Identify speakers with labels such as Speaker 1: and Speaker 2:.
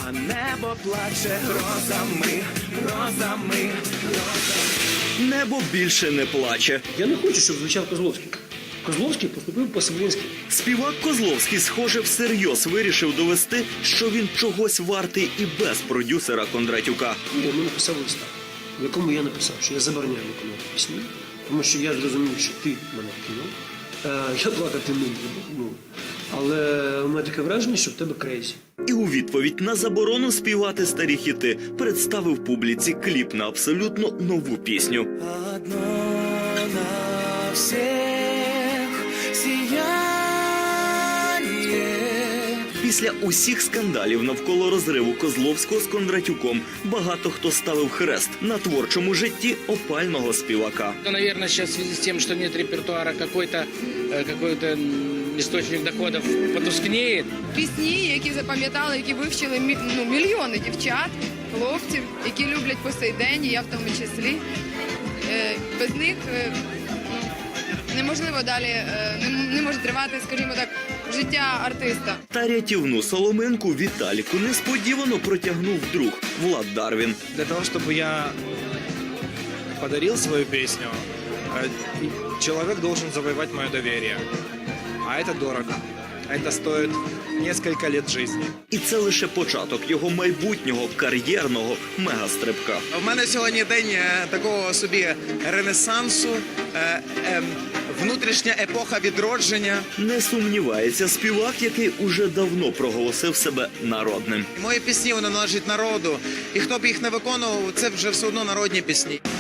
Speaker 1: а небо плаче грозами, грозами, грозами.
Speaker 2: Небо більше не плаче.
Speaker 3: Я не хочу, щоб звучав Козловський. Козловський поступив по-селянськи.
Speaker 2: Співак Козловський, схоже, всерйоз вирішив довести, що він чогось вартий і без продюсера Кондратюка.
Speaker 3: Я йому написав листа, в якому я написав, що я забороняю виконувати пісні, тому що я зрозумів, що ти мене кинув. Я плакати не буду, але у мене таке враження, що в тебе крейзі.
Speaker 2: І у відповідь на заборону співати старі хіти представив публіці кліп на абсолютно нову пісню.
Speaker 1: Одно на всех сияние.
Speaker 2: Після усіх скандалів навколо розриву Козловського з Кондратюком багато хто ставив хрест на творчому житті опального співака.
Speaker 4: Наверное, сейчас в связи с тем, что нет репертуара, какой-то источник доходов потускнеет.
Speaker 5: Пісні, які запам'ятали, які вивчили мільйони дівчат, хлопців, які люблять по сей день, і я в тому числі. Без них неможливо далі, не може тривати, скажімо так, життя артиста.
Speaker 2: Та рятівну соломинку Віталіку несподівано протягнув друг Влад Дарвін.
Speaker 6: Для того, чтобы я подарил свою песню, человек должен завоевать мое доверие. А это дорого. Это стоит несколько лет жизни.
Speaker 2: І це лише початок його майбутнього кар'єрного мегастрибка.
Speaker 7: У мене сьогодні день такого собі ренесансу, внутрішня епоха відродження.
Speaker 2: Не сумнівається співак, який уже давно проголосив себе народним.
Speaker 7: Мої пісні, вони належать народу. І хто б їх не виконував, це вже все одно народні пісні.